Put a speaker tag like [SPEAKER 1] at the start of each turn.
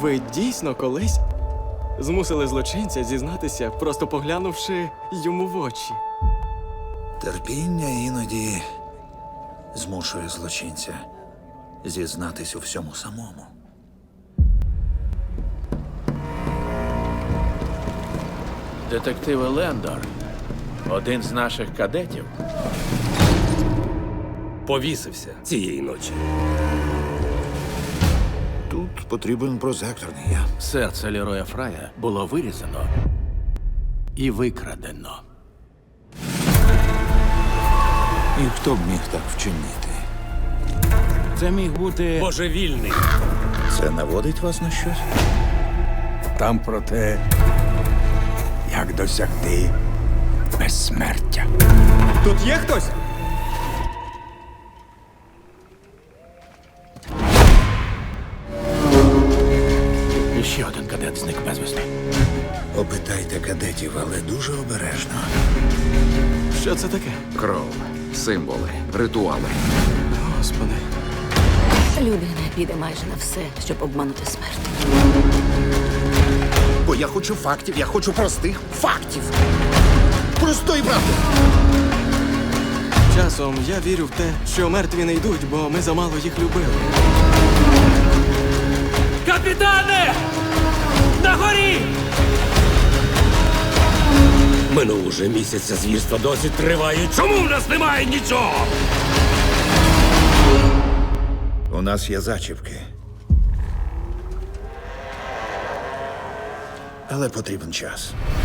[SPEAKER 1] Ви дійсно колись змусили злочинця зізнатися, просто поглянувши йому в очі?
[SPEAKER 2] Терпіння іноді змушує злочинця зізнатись у всьому самому.
[SPEAKER 3] Детектив Лендор, один з наших кадетів,
[SPEAKER 4] Повісився цієї ночі.
[SPEAKER 2] Тут потрібен прозекторний я.
[SPEAKER 3] серце Лероя Фрая було вирізано і викрадено.
[SPEAKER 2] І хто б міг так вчинити?
[SPEAKER 3] Це міг бути
[SPEAKER 4] Божевільний.
[SPEAKER 2] Це наводить вас на щось?
[SPEAKER 5] Там про те, як досягти безсмертя.
[SPEAKER 1] Тут є хтось?
[SPEAKER 3] І ще один кадет зник безвісти.
[SPEAKER 2] Опитайте кадетів, але дуже обережно.
[SPEAKER 1] Що це таке?
[SPEAKER 6] Кров, символи, ритуали.
[SPEAKER 1] Господи.
[SPEAKER 7] Людина піде майже на все, щоб обманути смерть.
[SPEAKER 2] Бо я хочу фактів, я хочу простих фактів. Простої правди.
[SPEAKER 1] Часом я вірю в те, що мертві не йдуть, бо ми замало їх любили.
[SPEAKER 4] Капітане! На горі! Минув уже місяць, а звірства досі тривають. Чому в нас немає нічого?
[SPEAKER 2] У нас є зачіпки. Але потрібен час.